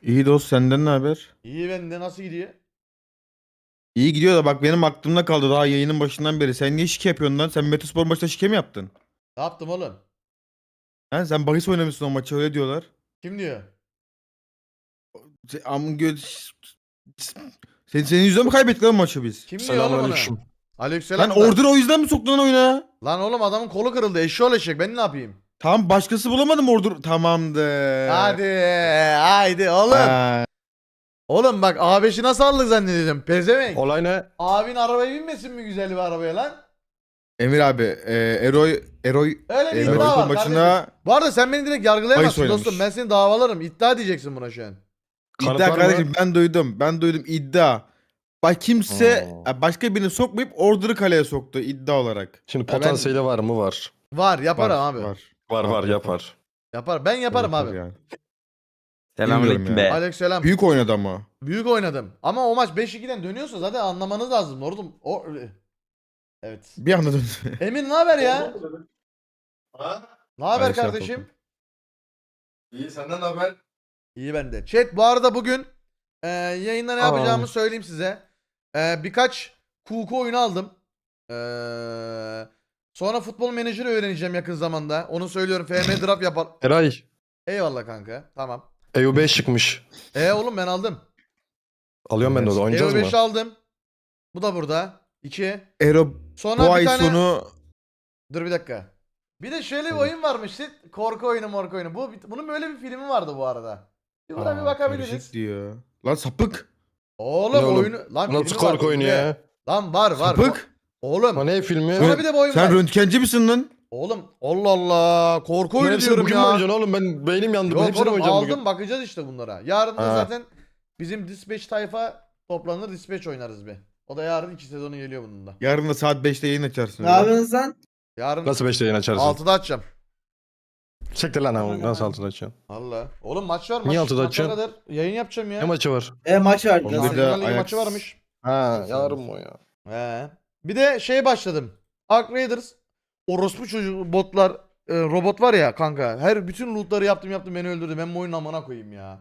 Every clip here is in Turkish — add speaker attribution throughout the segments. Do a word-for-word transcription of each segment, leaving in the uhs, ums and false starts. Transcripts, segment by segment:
Speaker 1: İyi dost, senden ne haber?
Speaker 2: İyi, bende nasıl gidiyor?
Speaker 1: İyi gidiyor da bak, benim aklımda kaldı daha yayının başından beri. Sen niye şike yapıyorsun lan? Sen Metaspor maçta şike mi yaptın?
Speaker 2: Ne yaptım oğlum?
Speaker 1: Ha, sen bahis oynamışsın o maçı, öyle diyorlar.
Speaker 2: Kim diyor?
Speaker 1: Se- Am gö sen, senin yüzünden mi kaybettik lan maçı biz?
Speaker 2: Kim diyor oğlum onu?
Speaker 3: Selamünaleyküm.
Speaker 1: Lan
Speaker 2: Aleykümselam da.
Speaker 1: Order'ı o yüzden mi soktun lan oyuna?
Speaker 2: Lan oğlum adamın kolu kırıldı. Eşşoğlu eşek. Ben ne yapayım?
Speaker 1: Tamam, başkası bulamadım Order. Tamamdır.
Speaker 2: Hadi. Haydi oğlum.
Speaker 1: Ha,
Speaker 2: Oğlum bak A beşi nasıl aldık zannediyordum. Pezevenk.
Speaker 3: Olay ne?
Speaker 2: Abin arabaya binmesin mi güzel bir arabaya lan?
Speaker 1: Emir abi, e, Eroy Eroy
Speaker 2: Öyle bir
Speaker 1: e,
Speaker 2: iddia
Speaker 1: Metaspor
Speaker 2: var kardeşim.
Speaker 1: maçına
Speaker 2: Bu arada sen beni direkt yargılayamazsın
Speaker 1: bahis
Speaker 2: dostum.
Speaker 1: oynamış.
Speaker 2: Ben seni davalarım. İddia diyeceksin buna şu an.
Speaker 3: Kanıt
Speaker 1: iddia
Speaker 3: var mı?
Speaker 1: kardeşim, ben duydum. Ben duydum iddia. Bak kimse
Speaker 3: Hmm.
Speaker 1: ya, başka birini sokmayıp Order'ı kaleye soktu iddia olarak.
Speaker 3: Şimdi
Speaker 2: ben-
Speaker 3: potansiyeli var mı? Var.
Speaker 2: Var yaparım
Speaker 1: Var,
Speaker 2: abi.
Speaker 1: var.
Speaker 3: Var var yapar.
Speaker 2: Yapar. Ben yaparım
Speaker 1: Yapar
Speaker 2: abi.
Speaker 1: yani.
Speaker 4: Selamünaleyküm
Speaker 1: Bilmiyorum ya.
Speaker 4: be.
Speaker 2: Aleykümselam.
Speaker 1: Büyük oynadı ama.
Speaker 2: Büyük oynadım. Ama o maç beş ikiden dönüyorsa zaten anlamanız lazım. Oğlum o evet.
Speaker 1: Bir anda döndü.
Speaker 2: Emin ne haber ya? Ne haber
Speaker 1: Ay, şey
Speaker 2: kardeşim?
Speaker 1: yapalım.
Speaker 3: İyi senden haber?
Speaker 2: İyi bende. Chat bu arada bugün e, yayında ne
Speaker 3: Aa.
Speaker 2: yapacağımı söyleyeyim size. E, birkaç kuku oyunu aldım. E, sonra futbol menajeri öğreneceğim yakın zamanda. Onu söylüyorum. F M draft yapar.
Speaker 3: Eray.
Speaker 2: Eyvallah kanka. Tamam.
Speaker 3: E U beş çıkmış.
Speaker 2: E oğlum ben aldım.
Speaker 3: Alıyorum ben de o da. Oynayacağız
Speaker 2: E U beşi
Speaker 3: mı?
Speaker 2: aldım. Bu da burada. İki.
Speaker 1: Ero
Speaker 2: Sonra
Speaker 1: bu
Speaker 2: bir
Speaker 1: ay
Speaker 2: tane...
Speaker 1: sonu
Speaker 2: Dur bir dakika. Bir de şöyle bir oyun varmış. işte, Korku oyunu morku oyunu. Bu, bunun böyle bir filmi vardı bu arada. Bir buna bir
Speaker 1: Aa,
Speaker 2: bakabiliriz.
Speaker 1: karışık diyor. Lan sapık.
Speaker 2: Oğlum,
Speaker 3: Ne oğlum?
Speaker 2: oyunu... Lan
Speaker 3: Bu nasıl
Speaker 2: filmi var.
Speaker 3: korku oyunu
Speaker 2: izle.
Speaker 3: ya?
Speaker 2: Lan var var.
Speaker 1: Sapık.
Speaker 2: Oğlum.
Speaker 3: O ne filmi?
Speaker 2: Sonra bir de bu oyun
Speaker 1: Sen
Speaker 2: var.
Speaker 1: röntgenci misin lan?
Speaker 2: Oğlum Allah Allah. Korku
Speaker 3: Bunların
Speaker 2: oyunu
Speaker 3: hepsini
Speaker 2: diyorum
Speaker 3: bugün mü
Speaker 2: ya.
Speaker 3: oynayacaksın oğlum? Ben beynim yandı.
Speaker 2: Yok
Speaker 3: Hepsini mi
Speaker 2: oğlum
Speaker 3: oynayacağım
Speaker 2: aldım
Speaker 3: bugün?
Speaker 2: bakacağız işte bunlara. Yarın da
Speaker 3: Ha.
Speaker 2: zaten bizim Dispatch tayfa toplanır Dispatch oynarız bir. O da yarın iki sezonu geliyor bunun da.
Speaker 1: Yarın da saat beşte yayın açarsın.
Speaker 5: Ne yapıyorsun lan?
Speaker 2: Yarın
Speaker 3: Nasıl beşte yayın açarsın?
Speaker 2: altıda açacağım.
Speaker 3: Çektir lan ama. Nasıl altıda açacaksın?
Speaker 2: Allah. Oğlum maç var.
Speaker 3: Niye
Speaker 2: maç,
Speaker 3: altıda
Speaker 2: maça
Speaker 3: açıyorsun?
Speaker 2: kadar yayın yapacağım ya.
Speaker 3: Ne maçı var?
Speaker 5: E maç var.
Speaker 1: Onda
Speaker 5: Nasıl?
Speaker 1: da-
Speaker 2: Şampiyonlar Ligi
Speaker 1: Ajax-
Speaker 2: maçı varmış.
Speaker 3: Ha yarın mı o ya?
Speaker 2: He. Bir de şey başladım. Ark Raiders. Orospu çocuk botlar e, robot var ya kanka. Her bütün lootları yaptım yaptım beni öldürdü. Ben bu oyunun amına koyayım ya.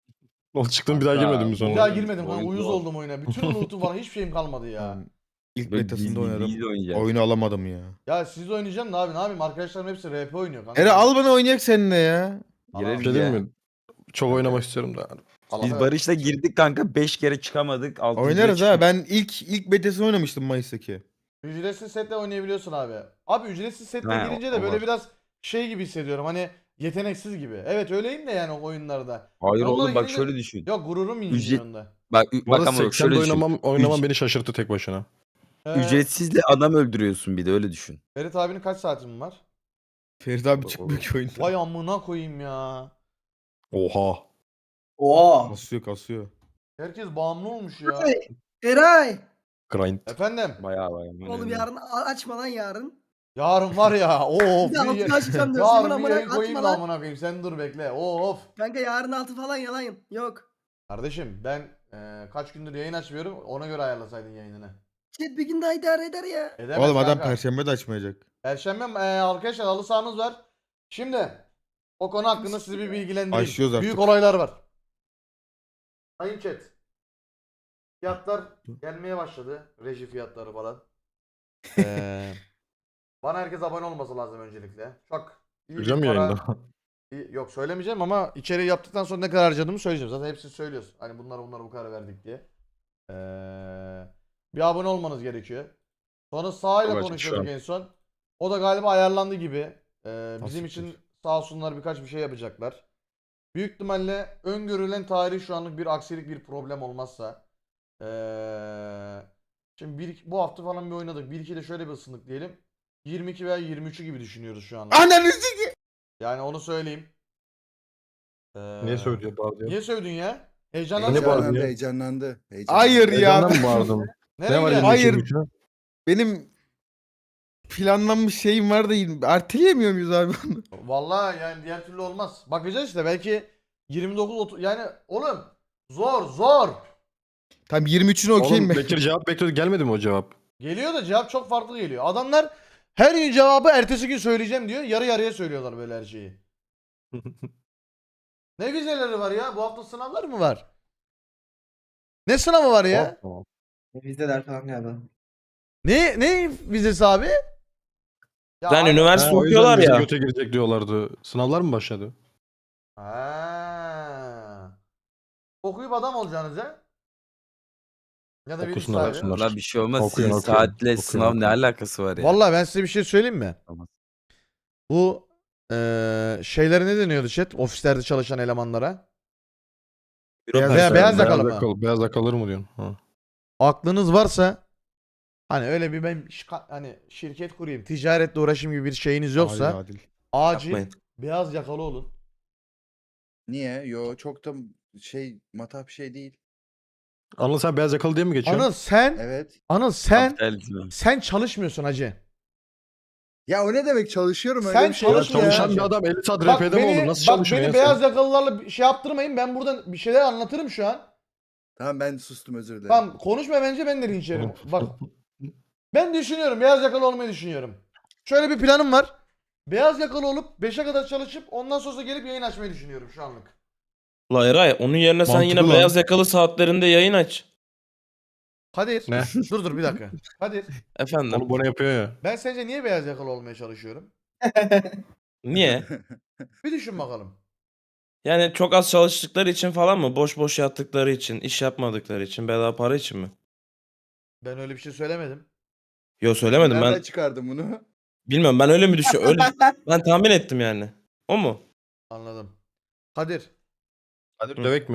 Speaker 3: O çıktın bir daha
Speaker 4: Kanka,
Speaker 3: girmedin mi
Speaker 2: Bir
Speaker 3: sonra?
Speaker 2: daha
Speaker 4: Oyun-
Speaker 2: girmedim kanka.
Speaker 4: oyun
Speaker 2: Uyuz
Speaker 4: zor.
Speaker 2: oldum oyuna. Bütün lootum falan hiçbir şeyim kalmadı ya.
Speaker 1: Yani ilk
Speaker 4: Böyle
Speaker 1: metasında
Speaker 4: gizli
Speaker 1: oynadım.
Speaker 4: gizli oynayacağız.
Speaker 1: Oyunu alamadım ya.
Speaker 2: Ya siz oynayacağım da abi ne yapayım? Arkadaşlarım hepsi R P oynuyor kanka.
Speaker 1: Ere al bana, oynayak seninle ya.
Speaker 4: Girelim
Speaker 3: Bir şey diyeyim
Speaker 4: ya.
Speaker 3: mi? Çok oynamak istiyorum da.
Speaker 2: Allah
Speaker 4: Biz
Speaker 2: Allah.
Speaker 4: Barış'la girdik kanka beş kere çıkamadık. altıncıya
Speaker 1: Oynarız ha.
Speaker 4: çıktık.
Speaker 1: Ben ilk ilk betasını oynamıştım Mayıs'taki.
Speaker 2: Ücretsiz setle oynayabiliyorsun abi. Abi ücretsiz setle
Speaker 4: Ha,
Speaker 2: girince
Speaker 4: o-
Speaker 2: de
Speaker 4: o
Speaker 2: böyle
Speaker 4: var.
Speaker 2: biraz şey gibi hissediyorum. Hani yeteneksiz gibi. Evet öyleyim de yani o oyunlarda.
Speaker 4: Hayır
Speaker 2: Onlara
Speaker 4: oğlum bak
Speaker 2: girince-
Speaker 4: şöyle düşün.
Speaker 2: Yok gururum inciniyor
Speaker 4: Ücret-
Speaker 2: onda.
Speaker 4: Bak,
Speaker 3: Bu
Speaker 4: bak
Speaker 3: arada
Speaker 4: ama bak
Speaker 3: seksende
Speaker 4: şöyle düşün.
Speaker 3: oynamam, oynamam
Speaker 4: Üc-
Speaker 3: beni şaşırttı tek başına.
Speaker 2: Ee,
Speaker 4: Ücretsizle adam öldürüyorsun bir de öyle düşün.
Speaker 2: Ferit abinin kaç saatin var?
Speaker 1: Ferit abi çıkmıyor ki oyunda.
Speaker 2: Vay amına koyayım ya.
Speaker 3: Oha.
Speaker 5: Oha.
Speaker 1: Kasıyor kasıyor.
Speaker 2: Herkes bağımlı olmuş ya.
Speaker 5: Eray. Eray.
Speaker 3: Grind.
Speaker 2: Efendim.
Speaker 4: Bayağı bayağı.
Speaker 5: Oğlum yarın a- açma lan yarın.
Speaker 2: Yarın var ya. Of.
Speaker 5: Bir de altı
Speaker 2: bir,
Speaker 5: açacağım diyorsun.
Speaker 2: yarın bir
Speaker 5: Amına
Speaker 2: yayın koyayım
Speaker 5: atma
Speaker 2: da
Speaker 5: lan.
Speaker 2: amına koyayım. Sen dur bekle. Of.
Speaker 5: Kanka yarın altı falan yalan yok.
Speaker 2: Kardeşim ben e, kaç gündür yayın açmıyorum. Ona göre ayarlasaydın yayınını.
Speaker 5: Chat bir gün daha idare eder ya.
Speaker 2: Edemez
Speaker 1: Oğlum adam
Speaker 2: kanka.
Speaker 1: perşembe de açmayacak.
Speaker 2: Perşembe e, arkadaşlar halı sahamız var. Şimdi o konu hakkında sizi bir bilgilendireyim.
Speaker 1: Başlıyoruz artık.
Speaker 2: Büyük olaylar var. Sayın chat. Fiyatlar gelmeye başladı. Reji fiyatları falan. Ee, bana herkes abone olması lazım öncelikle. Çok iyi bir
Speaker 3: Göreceğim mi
Speaker 2: para-
Speaker 3: yayında?
Speaker 2: İyi- Yok söylemeyeceğim ama içeriği yaptıktan sonra ne kadar harcadığımı söyleyeceğim. Zaten hepsini söylüyorsun. Hani bunlara bunlara bu kadar verdik diye. Ee, bir abone olmanız gerekiyor. Sonra sahayla
Speaker 3: Çok açık
Speaker 2: konuşuyorduk
Speaker 3: şu
Speaker 2: en son. O da galiba ayarlandı gibi. Ee, bizim
Speaker 1: Nasıl
Speaker 2: için sağ olsunlar birkaç bir şey yapacaklar. Büyük ihtimalle öngörülen tarih şu anlık bir aksilik bir problem olmazsa. Ee, şimdi bir, bu hafta falan bir oynadık. bir iki de şöyle bir ısındık diyelim. yirmi iki veya yirmi üçü gibi düşünüyoruz şu anda.
Speaker 1: Ananı s**eyim.
Speaker 2: Yani onu söyleyeyim. Ee,
Speaker 3: Niye söylüyor bağırıyor?
Speaker 2: Niye sövdün ya?
Speaker 3: Ne
Speaker 2: Heyecanlandın
Speaker 3: bağırdın
Speaker 2: mı?
Speaker 3: ya?
Speaker 6: Heyecanlandı, heyecanlandı.
Speaker 1: Hayır ya.
Speaker 3: Heyecandan mı bağırdım?
Speaker 2: Nereye
Speaker 3: Ne var
Speaker 2: gidiyorsun?
Speaker 1: Hayır.
Speaker 3: Hayır.
Speaker 1: Benim planlanmış şeyim var da erteleyemiyor muyuz abi bunu?
Speaker 2: Vallahi yani diğer türlü olmaz. Bakacağız işte belki yirmi dokuz otuz yani oğlum zor zor.
Speaker 1: Tamam, yirmi üçüne okeyim
Speaker 3: Oğlum
Speaker 1: ben.
Speaker 3: Bekir cevap bekliyordu. Gelmedi mi o cevap?
Speaker 2: Geliyor da cevap çok farklı geliyor. Adamlar her gün cevabı ertesi gün söyleyeceğim diyor. Yarı yarıya söylüyorlar böyle her şeyi. Ne vizeleri var ya? Bu hafta sınavlar mı var? Ne sınavı var ya?
Speaker 3: Tamam.
Speaker 5: Vizeler falan galiba.
Speaker 2: Ne ne vizesi abi? Ya
Speaker 6: Sen
Speaker 2: abi-
Speaker 6: üniversite
Speaker 3: Ha, o yüzden
Speaker 6: okuyorlar
Speaker 3: bize
Speaker 6: ya.
Speaker 3: göte girecek diyorlardı. Sınavlar mı başladı?
Speaker 2: Ha. Okuyup adam olacaksınız ha? Ya da bir iş
Speaker 3: Okusunlar,
Speaker 2: sahibi.
Speaker 3: okusunlar.
Speaker 4: Valla bir şey olmaz.
Speaker 3: Okuyun,
Speaker 4: Sizin
Speaker 3: okuyun.
Speaker 4: saatle
Speaker 3: Okuyun,
Speaker 4: sınav ne
Speaker 3: okuyun.
Speaker 4: alakası var ya?
Speaker 2: Vallahi ben size bir şey söyleyeyim mi?
Speaker 4: Tamam.
Speaker 2: Bu eee şeylere ne deniyordu chat? Ofislerde çalışan elemanlara. Beyaz,
Speaker 6: Büro
Speaker 2: veya
Speaker 6: personeli.
Speaker 2: beyaz yakalı mı?
Speaker 3: yakalı, beyaz yakalı mı diyorsun? Ha.
Speaker 2: Aklınız varsa hani öyle bir ben şika- hani şirket kurayım, ticaretle uğraşayım gibi bir şeyiniz yoksa
Speaker 1: Adil, adil.
Speaker 2: acil
Speaker 6: Yapmayın.
Speaker 2: beyaz yakalı olun.
Speaker 7: Niye? Yo çok da şey matah bir şey değil.
Speaker 3: Anıl sen beyaz yakalı diye mi geçiyorsun?
Speaker 2: Anıl sen
Speaker 7: Evet.
Speaker 2: Anıl sen
Speaker 4: Kapitalizm.
Speaker 2: sen çalışmıyorsun hacı.
Speaker 7: Ya o ne demek çalışıyorum öyle
Speaker 2: Sen
Speaker 7: bir şey
Speaker 3: Ya
Speaker 7: yok
Speaker 2: çalış ya.
Speaker 3: çalışan bir adam elli saat
Speaker 2: Bak
Speaker 3: R P'de mi
Speaker 2: beni,
Speaker 3: olur? Nasıl
Speaker 2: bak
Speaker 3: çalışmıyor
Speaker 2: beni
Speaker 3: ya
Speaker 2: beyaz
Speaker 3: sen?
Speaker 2: yakalılarla bir şey yaptırmayın. Ben buradan bir şeyler anlatırım şu an.
Speaker 7: Tamam ben sustum özür dilerim.
Speaker 2: Tamam konuşma bence ben de linç yerim. Bak ben düşünüyorum beyaz yakalı olmayı düşünüyorum. Şöyle bir planım var. Beyaz yakalı olup beşe kadar çalışıp ondan sonra gelip yayın açmayı düşünüyorum şu anlık.
Speaker 6: La Eray onun yerine sen
Speaker 3: Mantıklı
Speaker 6: yine
Speaker 3: lan.
Speaker 6: beyaz yakalı saatlerinde yayın aç.
Speaker 2: Kadir.
Speaker 3: Ne?
Speaker 2: Dur dur bir dakika. Kadir.
Speaker 6: Efendim.
Speaker 3: Onu bana yapıyor ya.
Speaker 2: Ben sence niye beyaz yakalı olmaya çalışıyorum?
Speaker 6: Niye?
Speaker 2: Bir düşün bakalım.
Speaker 6: Yani çok az çalıştıkları için falan mı? Boş boş yattıkları için, iş yapmadıkları için, bedava para için mi?
Speaker 2: Ben öyle bir şey söylemedim.
Speaker 6: Yo söylemedim
Speaker 7: Nereden
Speaker 6: ben.
Speaker 7: çıkardın bunu?
Speaker 6: Bilmiyorum ben öyle mi düşünüyorum? Öyle ben tahmin ettim yani. O mu?
Speaker 2: Anladım. Kadir.
Speaker 3: Hadi
Speaker 6: Hı.
Speaker 3: dövek mi?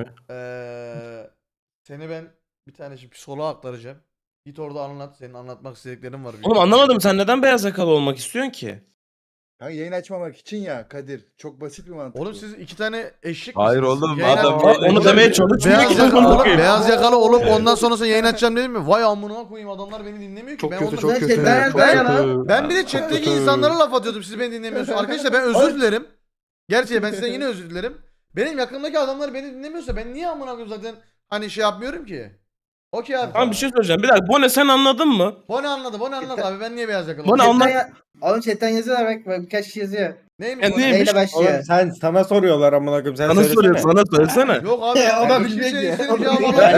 Speaker 2: Ee, seni ben bir tane şimdi psikoloğa aktaracağım. Git orada anlat. Senin anlatmak istediklerin var.
Speaker 6: Oğlum anlamadım sen neden beyaz yakalı olmak istiyorsun ki?
Speaker 7: Ha, yayın açmamak için ya Kadir. Çok basit bir mantık.
Speaker 2: Oğlum
Speaker 7: bu.
Speaker 2: siz iki tane eşek
Speaker 4: Hayır
Speaker 2: misiniz?
Speaker 4: oğlum,
Speaker 2: Yayın
Speaker 4: adam
Speaker 2: aç-
Speaker 4: yayın
Speaker 6: Onu
Speaker 2: Oğlum,
Speaker 6: demeye çalışmıyor
Speaker 2: beyaz
Speaker 6: ki.
Speaker 2: yakalı,
Speaker 6: amına
Speaker 2: oğlum,
Speaker 6: koyayım.
Speaker 2: beyaz yakalı olup ondan sonrasında yayın açacağım dedim mi? Vay amına koyayım adamlar beni dinlemiyor ki.
Speaker 3: Çok
Speaker 2: ben
Speaker 3: kötü
Speaker 2: onları-
Speaker 3: çok
Speaker 5: Ben
Speaker 3: kötü.
Speaker 5: chatten
Speaker 3: çok
Speaker 5: yazdım
Speaker 3: kötü.
Speaker 5: ya.
Speaker 2: Ben bir de chat'teki
Speaker 3: Kötü.
Speaker 2: insanlara laf atıyordum. Siz beni dinlemiyorsunuz. Arkadaşlar ben özür dilerim. Gerçi ben sizden yine özür dilerim. Benim yakındaki adamlar beni dinlemiyorsa ben niye amına koyayım zaten hani şey yapmıyorum ki? Okey abi.
Speaker 6: Tamam bir şey söyleyeceğim. Bir dakika Bone sen anladın mı?
Speaker 2: Bone anladı. Bone anladı abi. Ben niye beyaz yakalı
Speaker 6: Bone
Speaker 2: oldum?
Speaker 6: anla-
Speaker 5: Chatten ya- Oğlum chatten yazıyorlar bak, bak birkaç kişi yazıyor.
Speaker 2: Neymiş
Speaker 6: Ya
Speaker 2: Bone?
Speaker 6: neymiş?
Speaker 5: Neyle başlıyor?
Speaker 8: Oğlum sen sana soruyorlar amına koyayım sen
Speaker 6: Sana
Speaker 8: söylesene.
Speaker 6: soruyor sana söylesene.
Speaker 2: Yok abi.
Speaker 5: O da
Speaker 2: ben
Speaker 5: bilmiyor
Speaker 2: kimseye
Speaker 5: ki.
Speaker 2: istediğim
Speaker 5: O da
Speaker 2: cevabı
Speaker 5: bilmiyor.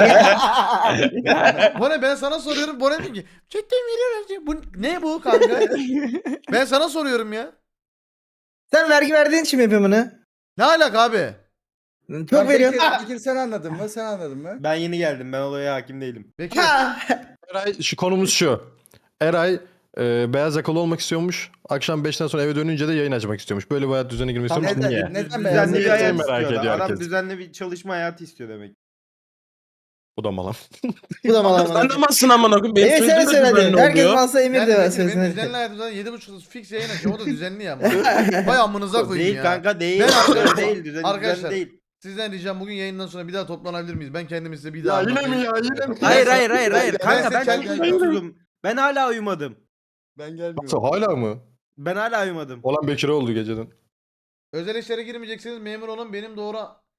Speaker 2: alamıyorum. Bone ben sana soruyorum. Bone diyor ki chatten veriyorum. Bu ne bu kanka? Ben sana soruyorum ya.
Speaker 5: Sen vergi verdiğin için mi yapıyorsun bunu?
Speaker 2: Ne alaka abi?
Speaker 5: Çok
Speaker 7: Lan
Speaker 5: veriyorsun.
Speaker 7: Bekir, Bekir sen anladın mı? Sen anladın mı?
Speaker 8: Ben yeni geldim ben olaya hakim değilim.
Speaker 2: Peki.
Speaker 3: Eray şu konumuz şu. Eray e, beyaz yakalı olmak istiyormuş. Akşam beşten sonra eve dönünce de yayın açmak istiyormuş. Böyle bir hayat düzeni girmek
Speaker 7: Tamam,
Speaker 3: istiyormuş.
Speaker 7: neden-
Speaker 3: Niye?
Speaker 7: neden
Speaker 8: Düzenli
Speaker 7: beyaz
Speaker 8: bir
Speaker 3: Niye
Speaker 8: hayat
Speaker 3: merak
Speaker 8: istiyor
Speaker 3: ediyor
Speaker 8: adam.
Speaker 3: herkes.
Speaker 8: Düzenli bir çalışma hayatı istiyor demek.
Speaker 3: Bu da malam.
Speaker 5: Bu da mala
Speaker 6: Sen
Speaker 5: mala.
Speaker 6: de malsın amına koyayım. Benim
Speaker 5: Evet sen
Speaker 6: söylediğim de
Speaker 5: söyle
Speaker 6: düzenli
Speaker 5: hadi. Herkes
Speaker 6: oluyor.
Speaker 5: malsa Emir
Speaker 2: Yani
Speaker 5: de
Speaker 2: Bekir,
Speaker 5: versin.
Speaker 2: benim düzenli hayatımda yedi buçukta fix yayın açıyor. O da düzenli ya. Vay amınıza koyayım
Speaker 8: Değil
Speaker 2: ya.
Speaker 8: kanka değil.
Speaker 2: Ben arkadaşlar-
Speaker 8: değil düzenli,
Speaker 2: arkadaşlar,
Speaker 8: düzenli değil.
Speaker 2: Sizden ricam bugün yayından sonra bir daha toplanabilir miyiz? Ben kendimi size bir
Speaker 3: Ya
Speaker 2: daha
Speaker 3: yine mi
Speaker 2: anlatayım.
Speaker 3: ya yine mi?
Speaker 8: Hayır hayır hayır hayır.
Speaker 2: Ben
Speaker 8: Kanka ben
Speaker 2: size
Speaker 8: çok
Speaker 2: kendi-
Speaker 8: uykusuzum. Ben hala uyumadım.
Speaker 7: Ben gelmiyorum.
Speaker 3: Nasıl, hala mı?
Speaker 8: Ben hala uyumadım.
Speaker 3: Olan Bekir'e oldu geceden.
Speaker 2: Özel işlere girmeyeceksiniz. Memur olun. Benim doğru...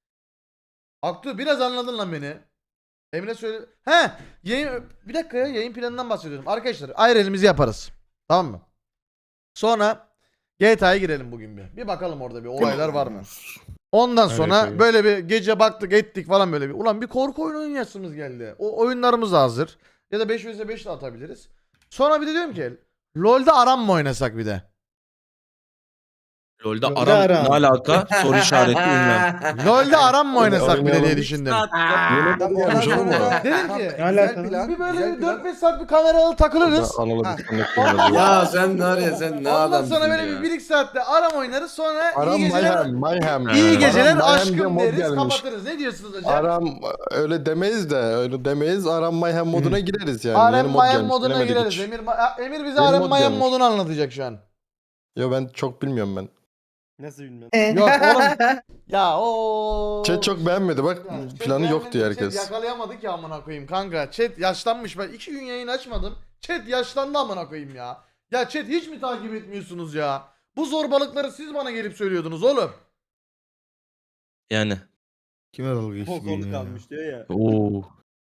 Speaker 2: Aktu biraz anladın lan beni. Emre söyle... He! Yayın... Bir dakika ya. Yayın planından bahsediyorum. Arkadaşlar ayrı elimizi yaparız. Tamam mı? Sonra G T A'ya girelim bugün bir. Bir bakalım orada bir olaylar var mı? Ondan
Speaker 3: Evet,
Speaker 2: sonra
Speaker 3: evet.
Speaker 2: böyle bir gece baktık ettik falan böyle bir. Ulan bir korku oyunu oynayasımız geldi. O oyunlarımız da hazır. Ya da beş vs beş de atabiliriz. Sonra bir de diyorum ki LoL'da aram mı oynasak bir de?
Speaker 6: LoL'da
Speaker 5: LoL'da
Speaker 6: aram
Speaker 5: aram.
Speaker 6: ne alaka? Soru işareti ünlem.
Speaker 2: LoL'de aram mı oynasak bir de diye
Speaker 3: Oynayalım.
Speaker 2: düşündüm.
Speaker 3: Yeni
Speaker 7: Tamam,
Speaker 3: bir
Speaker 7: ondan
Speaker 3: yapmış oğlum
Speaker 7: sonra-
Speaker 3: mu?
Speaker 2: Dedim
Speaker 7: Tamam,
Speaker 2: ki,
Speaker 7: güzel
Speaker 5: alakalı?
Speaker 7: plan,
Speaker 2: Bir böyle
Speaker 7: güzel
Speaker 2: bir
Speaker 7: plan.
Speaker 2: dört beş saat bir kameralı takılırız.
Speaker 3: Anıl'ı
Speaker 7: Ha.
Speaker 3: disconnect
Speaker 9: Ya sen var ya sen ne
Speaker 2: Ondan
Speaker 9: adamsın
Speaker 2: sonra böyle
Speaker 9: ya.
Speaker 2: bir bir iki saatte aram oynarız sonra
Speaker 3: Aram
Speaker 2: iyi geceler,
Speaker 3: Mayhem, Mayhem.
Speaker 2: iyi geceler
Speaker 3: Aram Mayhem diye
Speaker 2: aşkım
Speaker 3: mod
Speaker 2: deriz
Speaker 3: gelmiş.
Speaker 2: kapatırız. Ne diyorsunuz hocam?
Speaker 3: Aram öyle demeyiz de öyle demeyiz. Aram Mayhem moduna gireriz yani.
Speaker 2: Arem
Speaker 3: Yeni mod
Speaker 2: Mayhem
Speaker 3: gelmiş,
Speaker 2: moduna
Speaker 3: bilemedik
Speaker 2: gireriz.
Speaker 3: hiç.
Speaker 2: Emir, Ma- Emir bize
Speaker 3: Yeni
Speaker 2: Arem
Speaker 3: mod
Speaker 2: Mayhem
Speaker 3: gelmiş.
Speaker 2: modunu anlatacak şu an.
Speaker 3: Yo ben çok bilmiyorum ben.
Speaker 8: Nasıl bilmiyorum.
Speaker 2: Yok oğlum. Ya o.
Speaker 3: Chat çok beğenmedi bak
Speaker 2: Ya, chat
Speaker 3: planı yok diye
Speaker 2: beğenmedi,
Speaker 3: herkes.
Speaker 2: Chat yakalayamadık ya amına koyayım kanka. Chat yaşlanmış. Ben iki gün yayın açmadım. Chat yaşlandı amına koyayım ya. Ya chat hiç mi takip etmiyorsunuz ya? Bu zorbalıkları siz bana gelip söylüyordunuz oğlum.
Speaker 6: Yani.
Speaker 1: Kime dalga geçti
Speaker 8: O
Speaker 1: bugün
Speaker 8: kolu
Speaker 1: ya?
Speaker 8: kalmış diyor ya.
Speaker 6: Oo.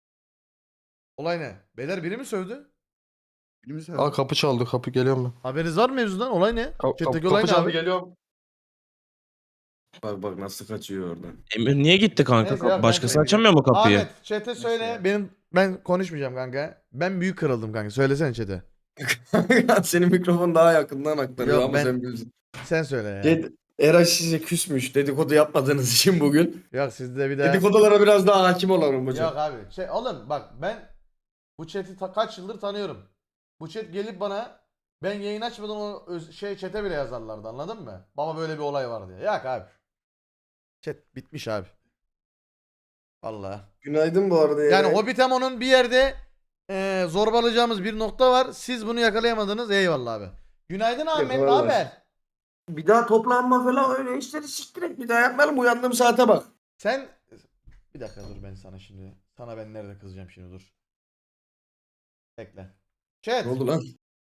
Speaker 2: Olay ne? Beyler biri mi sövdü?
Speaker 7: Birimiz
Speaker 3: Aa kapı çaldı kapı geliyorum ben.
Speaker 2: Haberiniz var mı mevzudan? Olay ne?
Speaker 3: Ka-
Speaker 2: Chat'teki
Speaker 3: kapı,
Speaker 2: olay
Speaker 3: kapı
Speaker 2: ne
Speaker 3: çaldı
Speaker 2: abi?
Speaker 3: geliyorum.
Speaker 9: Bak bak nasıl kaçıyor oradan.
Speaker 6: Emir niye gitti kanka?
Speaker 2: Neyse, yok, ben
Speaker 6: Başkası
Speaker 2: söyleyeceğim.
Speaker 6: açamıyor mu kapıyı?
Speaker 2: Ahmet chat'e söyle. Benim ben konuşmayacağım kanka. Ben büyük kırıldım kanka. Söylesene chat'e.
Speaker 9: Senin mikrofon daha yakından aktarıyor
Speaker 2: Yok,
Speaker 9: ama
Speaker 2: ben-
Speaker 9: sen bilirsin.
Speaker 2: Sen söyle ya.
Speaker 9: Şey, Eray size küsmüş dedikodu yapmadığınız için bugün.
Speaker 2: Yok sizde bir de.
Speaker 9: Dedikodulara biraz daha hakim olalım hocam.
Speaker 2: Yok abi. Şey oğlum bak ben bu chat'i ta- kaç yıldır tanıyorum. Bu chat gelip bana ben yayın açmadan o öz- şey chat'e bile yazarlardı, anladın mı? Baba böyle bir olay var diye. Yok abi. Chat bitmiş abi. Allah.
Speaker 9: Günaydın bu arada.
Speaker 2: Yani
Speaker 9: Eray.
Speaker 2: Hobbitemo'nun bir yerde eee zorbalayacağımız bir nokta var. Siz bunu yakalayamadınız. Eyvallah abi. Günaydın Ahmet. Ne
Speaker 9: Eyvallah.
Speaker 2: haber?
Speaker 9: Bir daha toplanma falan öyle işleri siktirek bir daha yapmayalım. Uyandığım saate bak.
Speaker 2: Sen bir dakika dur, ben sana şimdi. Sana ben nerede kızacağım şimdi, dur. Bekle. Chat.
Speaker 9: Ne oldu lan?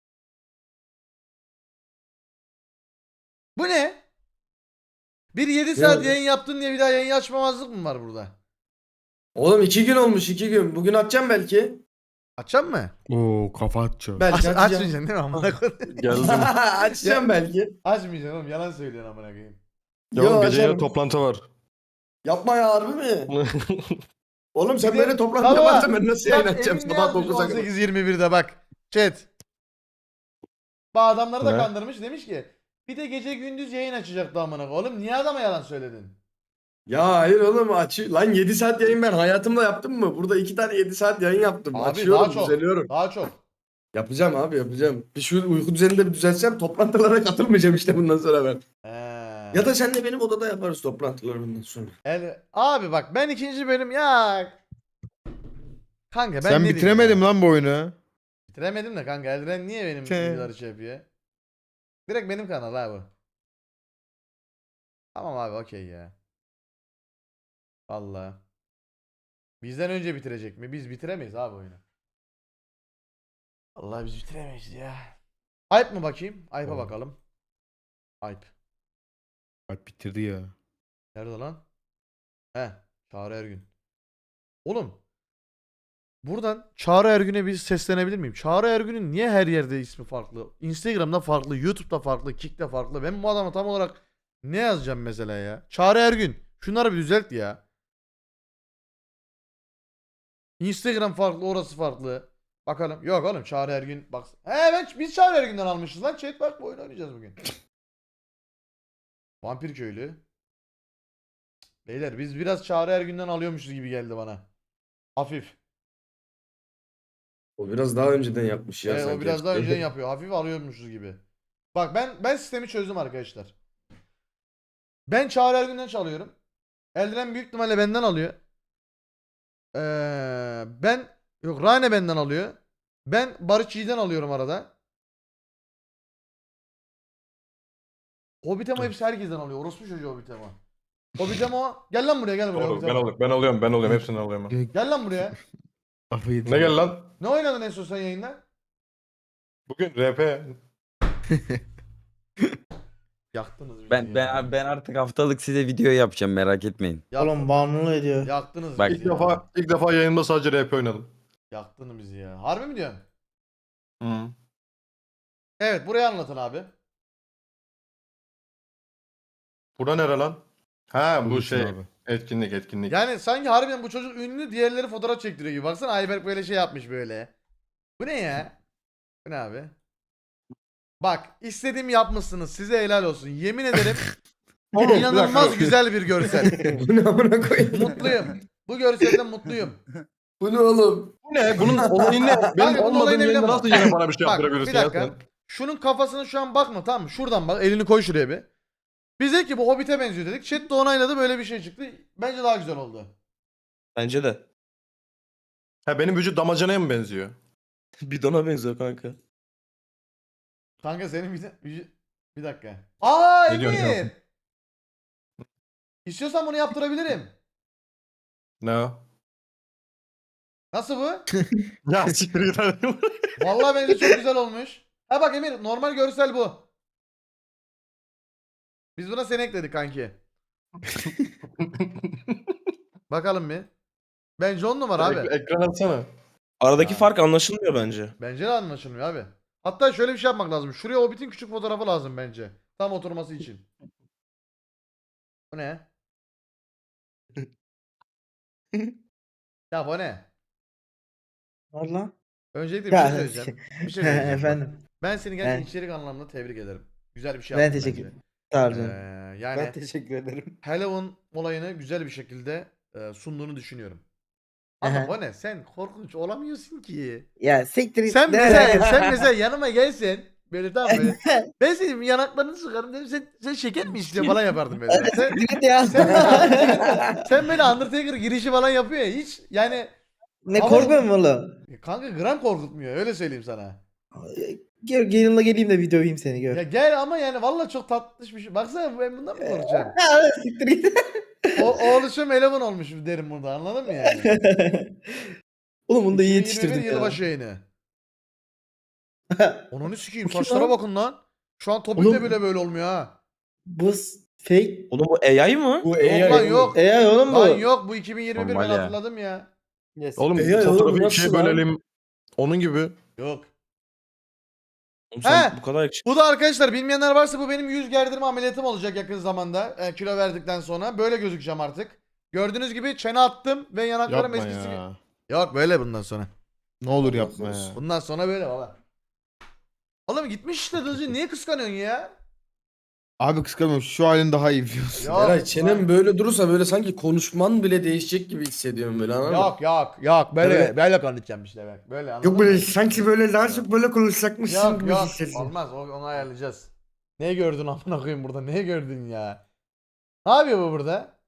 Speaker 2: Bu ne? Bir yedi
Speaker 9: Ne
Speaker 2: saat
Speaker 9: oldu?
Speaker 2: yayın yaptın diye bir daha yayın açmamazlık mı var burada?
Speaker 9: Oğlum iki gün olmuş iki gün. Bugün atacağım belki.
Speaker 2: Açacağım mı?
Speaker 1: Oo kafa atacağım.
Speaker 9: Belki
Speaker 2: Aç,
Speaker 9: açacağım.
Speaker 2: açmayacaksın değil mi amına koyayım?
Speaker 3: Geldim.
Speaker 9: açacağım belki.
Speaker 2: Açmayacaksın oğlum, yalan söylüyorsun amına koyayım.
Speaker 3: Ya
Speaker 9: Yo,
Speaker 3: oğlum gece
Speaker 9: açarım.
Speaker 3: yine toplantı var.
Speaker 9: Yapma ya harbi mi? Oğlum sen
Speaker 2: Bir de-
Speaker 9: böyle toplantı
Speaker 2: Baba,
Speaker 9: yaparsan ben nasıl yayın
Speaker 2: Bak,
Speaker 9: açacağım
Speaker 2: Emin ne
Speaker 9: sabah
Speaker 2: yazmış
Speaker 9: dokuza kadar?
Speaker 2: on sekiz yirmi birde bak. Chat. Bu adamları da
Speaker 3: Ne?
Speaker 2: kandırmış, demiş ki bir de gece gündüz yayın açacaktı amına koyayım. Oğlum niye adama yalan söyledin?
Speaker 9: Ya hayır oğlum aç. Lan yedi saat yayın ben hayatımda yaptım mı? Burada iki tane yedi saat yayın yaptım.
Speaker 2: Abi,
Speaker 9: Açıyorum
Speaker 2: daha çok.
Speaker 9: düzeliyorum.
Speaker 2: Daha çok.
Speaker 9: Yapacağım abi yapacağım. Bir şu uyku düzenini de bir düzeltsem toplantılara katılmayacağım işte bundan sonra ben.
Speaker 2: Ee,
Speaker 9: Ya da sen de benim odada yaparız toplantıları bundan sonra.
Speaker 2: El- abi bak ben ikinci bölüm ya. Kanka ben
Speaker 1: Sen
Speaker 2: ne diyeyim
Speaker 1: bitiremedim
Speaker 2: ya?
Speaker 1: lan bu oyunu.
Speaker 2: Bitiremedim de kanka, Eldren niye benim
Speaker 1: Şey.
Speaker 2: videoları şey yapıyor? Direkt benim kanal abi. Tamam abi, okey ya. Vallahi. Bizden önce bitirecek mi? Biz bitiremeyiz abi oyunu. Vallahi biz bitiremeyiz ya. Ayıp mı bakayım? Ayıp'a
Speaker 1: Tamam.
Speaker 2: bakalım. Ayıp.
Speaker 1: Bak bitirdi ya.
Speaker 2: Nerede lan? He, Çağrı Ergün. Oğlum. Buradan Çağrı Ergün'e bir seslenebilir miyim? Çağrı Ergün'ün niye her yerde ismi farklı? Instagram'da farklı, YouTube'da farklı, Kick'te farklı. Ben bu adama tam olarak ne yazacağım mesela ya? Çağrı Ergün. Şunları bir düzelt ya. Instagram farklı, orası farklı. Bakalım. Yok oğlum, Çağrı Ergün bak. He ben biz Çağrı Ergün'den almışız lan. Chat bak, bu oyunu oynayacağız bugün. Vampir Köylü. Beyler biz biraz Çağrı Ergün'den alıyormuşuz gibi geldi bana. Hafif.
Speaker 9: O biraz daha önceden yapmış ya
Speaker 2: Evet, o
Speaker 9: sanki.
Speaker 2: biraz daha önceden yapıyor. Hafif alıyormuşuz gibi. Bak ben ben sistemi çözdüm arkadaşlar. Ben Çağrı Ergün'den çalıyorum. Eldren büyük ihtimalle benden alıyor. Ee, ben yok Rane benden alıyor. Ben Barış Yiğit'den alıyorum arada. Hobbitemo hepsi herkesten alıyor. Orospu çocuğu Hobbitemo. Hobbitemo gel lan buraya, gel buraya
Speaker 3: Oğlum, ben
Speaker 2: Hobbitemo.
Speaker 3: alıyorum, ben alıyorum, ben alıyorum. Hepsini alıyorum. ben.
Speaker 2: Gel lan buraya.
Speaker 1: Kafayı
Speaker 3: Ne gel lan?
Speaker 2: Ne oynadın en son sen yayında?
Speaker 3: Bugün R P.
Speaker 2: Yaktınız bizi
Speaker 4: Ben
Speaker 2: ya.
Speaker 4: ben ben artık haftalık size video yapacağım merak etmeyin.
Speaker 2: Yaktın-
Speaker 5: Oğlum bağımlılık ediyor.
Speaker 2: Yaktınız
Speaker 4: Bak-
Speaker 2: bizi
Speaker 3: İlk
Speaker 2: ya.
Speaker 3: defa ilk defa yayında sadece R P oynadım.
Speaker 2: Yaktın bizi ya. Harbi mi diyorsun?
Speaker 3: Hı.
Speaker 2: Evet, burayı anlatın abi.
Speaker 3: Bura nere lan? Ha bu
Speaker 1: Bulursun
Speaker 3: şey
Speaker 1: abi.
Speaker 3: etkinlik etkinlik.
Speaker 2: Yani sanki harbiden bu çocuk ünlü, diğerleri fotoğraf çektiriyor gibi. Baksana Ayberk böyle şey yapmış böyle. Bu ne ya? Bu ne abi? Bak istediğimi yapmışsınız. Size helal olsun. Yemin ederim
Speaker 3: Oğlum, bir
Speaker 2: inanılmaz
Speaker 3: dakika.
Speaker 2: güzel bir görsel.
Speaker 9: Bu ne amına koyayım?
Speaker 2: Mutluyum. Bu görselden mutluyum.
Speaker 9: Bu ne oğlum?
Speaker 3: Bu ne? Bunun olayı ne?
Speaker 2: Kanka,
Speaker 3: Benim
Speaker 2: bunun
Speaker 3: olmadığım
Speaker 2: olayı ne
Speaker 3: yayında
Speaker 2: biliyor
Speaker 3: nasıl
Speaker 2: musun?
Speaker 3: yine bana bir şey
Speaker 2: Bak
Speaker 3: yaptırabilirsin
Speaker 2: bir
Speaker 3: ya
Speaker 2: dakika.
Speaker 3: sen?
Speaker 2: Şunun kafasını şu an bakma, tamam mı? Şuradan bak. Elini koy şuraya bir. Biz dedik ki bu Hobbit'e benziyor dedik. Chat de onayladı, böyle bir şey çıktı. Bence daha güzel oldu.
Speaker 6: Bence de.
Speaker 3: Ha benim vücut damacanaya mı benziyor?
Speaker 6: Bidona benziyor kanka.
Speaker 2: Kanka senin bir, bir, bir dakika. Aa
Speaker 3: Ne diyorsun
Speaker 2: Emir.
Speaker 3: ya?
Speaker 2: İstiyorsan bunu yaptırabilirim.
Speaker 3: Ne o?
Speaker 2: Nasıl bu?
Speaker 3: Ya siktir git hadi.
Speaker 2: Vallahi bence çok güzel olmuş. Ha bak Emir, normal görsel bu. Biz buna seni ekledik kanki. Bakalım bir. Bence on numara abi.
Speaker 3: Ek- Ekran atsana.
Speaker 6: Aradaki
Speaker 2: Ya.
Speaker 6: fark anlaşılmıyor bence.
Speaker 2: Bence de anlaşılmıyor abi. Hatta şöyle bir şey yapmak lazım. Şuraya Hobbit'in küçük fotoğrafı lazım bence. Tam oturması için. Bu ne? Ya bu ne?
Speaker 5: Valla.
Speaker 2: Öncelikle bir
Speaker 5: Ya,
Speaker 2: şey söyleyeceğim. Bir şey söyleyeceğim. bak.
Speaker 5: Efendim.
Speaker 2: Ben seni gerçekten
Speaker 5: Evet.
Speaker 2: içerik anlamında tebrik ederim. Güzel bir şey
Speaker 5: Ben
Speaker 2: yaptın
Speaker 5: teşekkür
Speaker 2: bence.
Speaker 5: Sağ ol
Speaker 2: Ee,
Speaker 5: canım.
Speaker 2: yani
Speaker 8: Ben teşekkür ederim.
Speaker 2: Halloween olayını güzel bir şekilde e, sunduğunu düşünüyorum. Ama
Speaker 5: Aha.
Speaker 2: bu ne? Sen korkunç olamıyorsun ki.
Speaker 5: Ya siktir git.
Speaker 2: Sen
Speaker 5: Ne
Speaker 2: mesela,
Speaker 5: alaka?
Speaker 2: sen mesela yanıma gelsen böyle tamam böyle. Ben senin yanaklarını sıkarım dedim. Sen, sen şeker mi istiyorsun falan yapardım böyle. Sen,
Speaker 5: Git ya.
Speaker 2: sen, böyle, sen böyle Undertaker girişi falan yapıyor ya hiç yani
Speaker 5: Ne
Speaker 2: Ama-
Speaker 5: korkmuyor musun oğlum?
Speaker 2: kanka gram korkutmuyor öyle söyleyeyim sana.
Speaker 5: Gel yanımda geleyim de video yiyeyim seni gör.
Speaker 2: Ya gel ama yani valla çok tatlış bir şey. Baksana ben bundan mı korkacağım?
Speaker 5: Ha, siktir git.
Speaker 2: O, oğluşum eleman olmuş derim burada anladın mı yani?
Speaker 5: Oğlum bunu da iyi
Speaker 2: iki bin yirmi bir
Speaker 5: yetiştirdik ya.
Speaker 2: yılbaşı yayını. Onu sikeyim
Speaker 5: Bu kim
Speaker 2: saçlara
Speaker 5: lan?
Speaker 2: bakın lan. Şu an Topik de
Speaker 5: Oğlum-
Speaker 2: bile böyle olmuyor ha.
Speaker 5: Bu s- fake.
Speaker 6: Oğlum bu A I mı?
Speaker 9: Bu
Speaker 2: Yok lan yok.
Speaker 5: E ya oğlum bu.
Speaker 2: Lan yok bu iki bin yirmi bir
Speaker 4: Normal
Speaker 2: ben
Speaker 4: ya.
Speaker 2: hatırladım ya.
Speaker 8: Yes.
Speaker 3: Oğlum
Speaker 9: E ya, oğlum
Speaker 3: fotoğrafı
Speaker 9: nasıl
Speaker 3: ikiye
Speaker 9: lan?
Speaker 3: bölelim. Onun gibi.
Speaker 2: Yok.
Speaker 6: Oğlum sen
Speaker 2: He!
Speaker 6: bu kadar yakışıklı.
Speaker 2: Bu da arkadaşlar bilmeyenler varsa bu benim yüz gerdirme ameliyatım olacak yakın zamanda. E, kilo verdikten sonra böyle gözükeceğim artık. Gördüğünüz gibi çene attım ve yanaklarım
Speaker 1: Yapma
Speaker 2: eskisi gibi.
Speaker 1: ya.
Speaker 2: Yok böyle bundan sonra.
Speaker 1: Ne olur yapma ya.
Speaker 2: Bundan sonra böyle baba. Oğlum gitmiş işte Dızcı niye kıskanıyorsun ya?
Speaker 1: Abi kıskanmıyorum. Şu halin daha iyi biliyorsun.
Speaker 2: Yok,
Speaker 9: Eray çenem
Speaker 2: lan.
Speaker 9: böyle durursa böyle sanki konuşman bile değişecek gibi hissediyorum böyle anladın mı?
Speaker 2: Yok yok yok böyle
Speaker 9: Böyle-
Speaker 2: böyle konuşacağım işte bak. Böyle anladın
Speaker 9: Yok böyle
Speaker 2: mı?
Speaker 9: sanki böyle daha çok böyle konuşacakmışsın
Speaker 2: Yok
Speaker 9: gibi
Speaker 2: yok
Speaker 9: hissediyorum.
Speaker 2: olmaz o- onu ayarlayacağız. Ne gördün amına koyayım burada? Ne gördün ya? Ne yapıyor bu burada?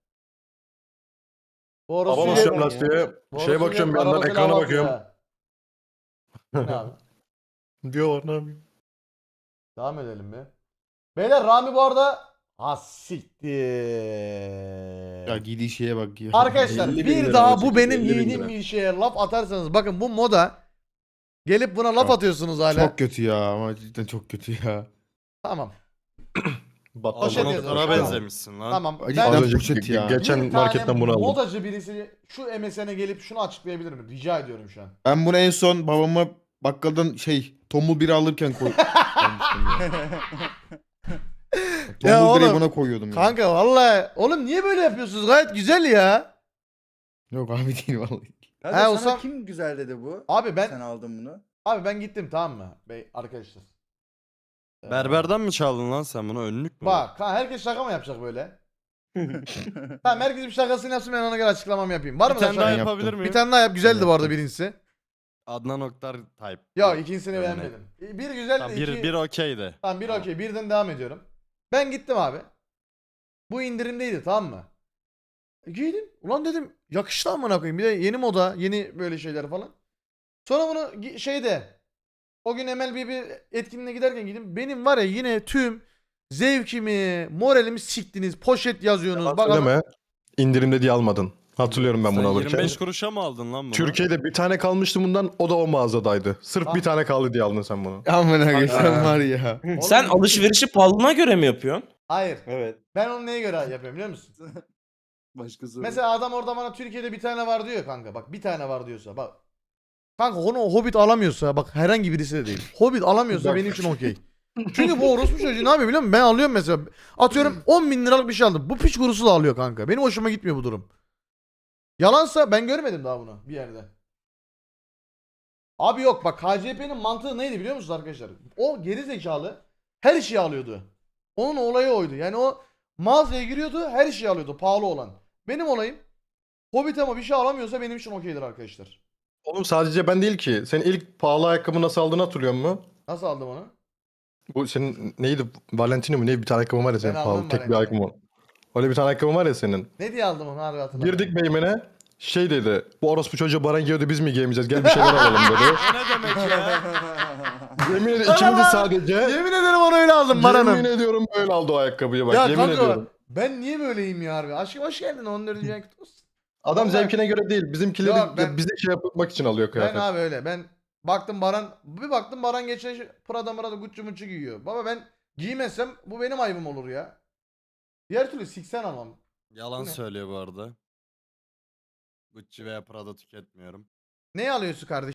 Speaker 2: Bu orospu
Speaker 3: Hava
Speaker 2: gel-
Speaker 3: basıyorum lastiğe.
Speaker 2: bu
Speaker 3: Şeye
Speaker 2: orospu
Speaker 3: bakıyorum bir
Speaker 2: gel-
Speaker 3: yandan
Speaker 2: arabasıyla
Speaker 3: ekrana
Speaker 2: hava
Speaker 3: bakıyorum.
Speaker 2: atıyor ha. Bu ne abi?
Speaker 3: Diyorlar ne yapayım?
Speaker 2: Devam edelim mi? Beyler Rami bu arada ha siktir.
Speaker 1: Ya giydiği şeye bak ya.
Speaker 2: Arkadaşlar
Speaker 9: elli bin
Speaker 2: bir
Speaker 9: lira
Speaker 2: daha
Speaker 9: olacak,
Speaker 2: bu benim
Speaker 9: elli bin
Speaker 2: giydiğim
Speaker 9: lira.
Speaker 2: bir şeye laf atarsanız bakın bu moda gelip buna laf
Speaker 1: Çok-
Speaker 2: atıyorsunuz hala.
Speaker 1: Çok kötü ya ama cidden çok kötü ya.
Speaker 2: Tamam.
Speaker 3: Battal
Speaker 2: Poşet
Speaker 3: bana-
Speaker 2: yazıyor.
Speaker 3: Tamam.
Speaker 8: benzemişsin lan.
Speaker 2: Tamam.
Speaker 1: Cidden
Speaker 2: Ben
Speaker 3: Az önce
Speaker 1: poşet ya.
Speaker 3: geçen
Speaker 2: bir tane
Speaker 3: marketten bunu aldım.
Speaker 2: modacı birisi şu M S N'e gelip şunu açıklayabilir mi? Rica ediyorum şu an.
Speaker 1: Ben bunu en son babama bakkaldan şey tombul biri alırken koy.
Speaker 2: Ya
Speaker 1: Tombul bireyi
Speaker 2: oğlum,
Speaker 1: buna koyuyordum ya.
Speaker 2: Kanka vallahi oğlum niye böyle yapıyorsunuz? Gayet güzel ya.
Speaker 1: Yok abi değil vallahi.
Speaker 7: Hadi
Speaker 2: Ha,
Speaker 7: sana
Speaker 2: Osman-
Speaker 7: kim güzel dedi bu?
Speaker 2: Abi ben
Speaker 7: Sen aldın bunu.
Speaker 2: abi ben gittim tamam mı? Bey arkadaşlar. Ee,
Speaker 8: Berberden mi çaldın lan sen bunu? Önlük mü?
Speaker 2: Bak kan herkes şaka mı yapacak böyle? Tamam herkes bir şakasını yapsın ben ona göre açıklamamı yapayım. Var
Speaker 8: Bir
Speaker 2: mı da
Speaker 8: tane daha
Speaker 2: şaka?
Speaker 1: yap-
Speaker 8: yapabilir
Speaker 1: yaptım.
Speaker 8: miyim?
Speaker 2: Bir tane daha yap. Güzeldi bu arada
Speaker 1: Yaptım.
Speaker 2: birincisi.
Speaker 8: Adnan Oktar type.
Speaker 2: Yok ikincisini
Speaker 8: Örnek.
Speaker 2: beğenmedim. Bir güzeldi.
Speaker 8: Tamam,
Speaker 2: iki...
Speaker 8: bir, bir okeydi.
Speaker 2: Tamam bir okey. Birden devam ediyorum. Ben gittim abi. Bu indirimdeydi tamam mı? E, giydim. Ulan dedim yakıştı amına koyayım. Bir de yeni moda, yeni böyle şeyler falan. Sonra bunu gi- şeyde o gün M L B bir etkinliğine giderken gittim. Benim var ya yine tüm zevkimi, moralimi siktiniz. Poşet yazıyorsunuz. Bak
Speaker 3: Söyleme. İndirimde diye almadın. Hatırlıyorum ben
Speaker 8: Sen
Speaker 3: bunu alırken.
Speaker 8: yirmi beş kuruşa mı aldın lan bunu?
Speaker 3: Türkiye'de bir tane kalmıştı bundan. O da o mağazadaydı. Sırf
Speaker 2: Tamam.
Speaker 3: bir tane kaldı diye aldın sen bunu.
Speaker 1: Aman abi sen
Speaker 2: Ha.
Speaker 1: var ya.
Speaker 2: Oğlum-
Speaker 6: Sen alışverişi pahalılığına göre mi yapıyorsun?
Speaker 2: Hayır.
Speaker 8: Evet.
Speaker 2: Ben onu neye göre yapıyorum biliyor musun?
Speaker 7: Başkası.
Speaker 2: Mesela adam orada bana Türkiye'de bir tane var diyor kanka. Bak bir tane var diyorsa bak. Kanka onu Hobbit alamıyorsa bak herhangi birisi de değil. Hobbit alamıyorsa
Speaker 3: Bak.
Speaker 2: benim için okey. Çünkü bu orospu çocuğu ne yapıyor biliyor musun? Ben alıyorum mesela. Atıyorum on bin liralık bir şey aldım. Bu piç kurusu da alıyor kanka. Benim hoşuma gitmiyor bu durum. Yalansa ben görmedim daha bunu bir yerde. Abi yok bak K C P'nin mantığı neydi biliyor musunuz arkadaşlar? O geri zekalı her şeyi alıyordu. Onun olayı oydu. Yani o mağazaya giriyordu her şeyi alıyordu pahalı olan. Benim olayım Hobbit ama bir şey alamıyorsa benim için okeydir arkadaşlar.
Speaker 3: Oğlum sadece ben değil ki. Senin ilk pahalı ayakkabı nasıl aldığını hatırlıyor musun?
Speaker 2: Nasıl aldım onu?
Speaker 3: Bu senin neydi? Valentino mu? Ne bir tane ayakkabın var ya senin
Speaker 2: Ben
Speaker 3: pahalı.
Speaker 2: aldım
Speaker 3: Tek bir
Speaker 2: Valentino.
Speaker 3: ayakkabı. Öyle bir tane ayakkabın var ya senin.
Speaker 2: Ne diye aldım onu harbi hatırlamıyorum.
Speaker 3: Girdik meymene. Şey dedi. Bu orospu çocuğu Baran giyiyordu biz mi giyemeyeceğiz? Gel bir şeyler alalım dedi.
Speaker 8: O ne demek ya?
Speaker 3: Yemin ederim ikimiz de sadece.
Speaker 2: Yemin ederim onu öyle aldım
Speaker 3: Yemin
Speaker 2: Baran'ım.
Speaker 3: ediyorum böyle aldı o ayakkabıyı bak.
Speaker 2: Ya
Speaker 3: yemin
Speaker 2: kanka
Speaker 3: ediyorum.
Speaker 2: ben niye böyleyim ya harbi? Aşkım hoş geldin on dördüncü ay kutlu olsun.
Speaker 3: Adam
Speaker 2: Vallahi-
Speaker 3: zevkine göre değil. Bizimkileri
Speaker 2: Yok, ben-
Speaker 3: bize şey yapmak için alıyor
Speaker 2: Ben
Speaker 3: kıyafet.
Speaker 2: abi öyle ben baktım Baran bir baktım Baran geçen şey- Prada Mırada Gucci Mucci giyiyor. Baba ben giymezsem bu benim ayıbım olur ya. Diğer türlü siksen almam.
Speaker 8: Yalan
Speaker 2: Bu ne?
Speaker 8: söylüyor bu arada. Gucci veya Prada tüketmiyorum.
Speaker 2: Ne alıyorsun kardeşim?